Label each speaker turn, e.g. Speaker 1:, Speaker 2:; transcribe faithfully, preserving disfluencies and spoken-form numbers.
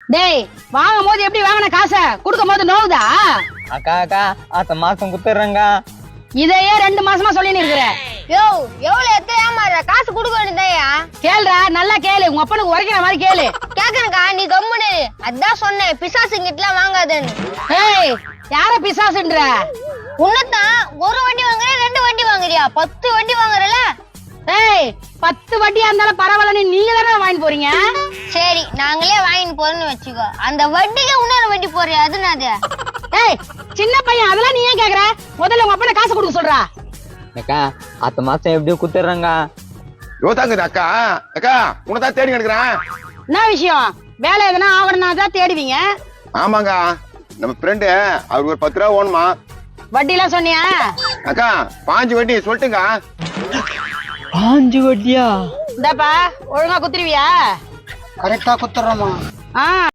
Speaker 1: டேய் வாங்கும் போது எப்படி வாங்கின காசை கொடுக்கும் போது நோவுதா?
Speaker 2: அக்கா அக்கா அடுத்த மாசம் குத்துறேங்க.
Speaker 1: இதையே ரெண்டு மாசமா சொல்லின்னு இருக்கிற.
Speaker 3: யோ எவ்வளவு எத்தனை ஏமாற காசு கொடுக்க வேண்டியதையா?
Speaker 1: கேளுடா, நல்லா கேளு, உங்க அப்பனுக்கு உரைக்கிற மாதிரி கேளு.
Speaker 3: கேக்குறக்கா நீ கம்முனு. அதான் சொன்னேன் பிசாசுங்கிட்டலாம் வாங்காதேன்னு.
Speaker 1: ஏய் யார பிசாசுன்ற?
Speaker 3: உன்னதான் ஒரு வண்டி வாங்குற ரெண்டு வண்டி வாங்குறியா? பத்து வண்டி வாங்குறல.
Speaker 1: ஏய் பத்து வட்டியா இருந்தாலும் பரவாயில்ல, நீங்க தானே வாங்கி போறீங்க.
Speaker 3: சரி நாங்களே வாங்கிட்டு போறோம்னு வச்சுக்கோ. அந்த வண்டிக்கு இன்னொரு வண்டி போறியா? அதுனாது.
Speaker 1: ஏய் சின்ன பையன், அதெல்லாம் நீ ஏன் கேக்குற? முதல்ல உங்க அப்பனை காசு கொடுக்க சொல்றா.
Speaker 2: அக்கா அடுத்த மாசம் எப்படியும் குத்துறேங்க.
Speaker 4: யோதாங்குது அக்கா. அக்கா உனதான் தேடி கிடக்குறேன்.
Speaker 1: என்ன விஷயம்? வேலை எதுனா ஆகணும்னா தான் தேடுவீங்க.
Speaker 4: ஆமாங்க, நம்ம ஃப்ரெண்டு அவருக்கு ஒரு பத்து ரூபா ஓணுமா.
Speaker 1: வட்டி எல்லாம் சொன்னியா?
Speaker 4: அக்கா பாஞ்சு வட்டி சொல்லட்டுங்க.
Speaker 2: பாஞ்சு வட்டியா?
Speaker 1: இந்தாப்பா ஒழுங்கா குத்துருவியா?
Speaker 5: கரெக்டா குத்துறோமா?
Speaker 1: ஆ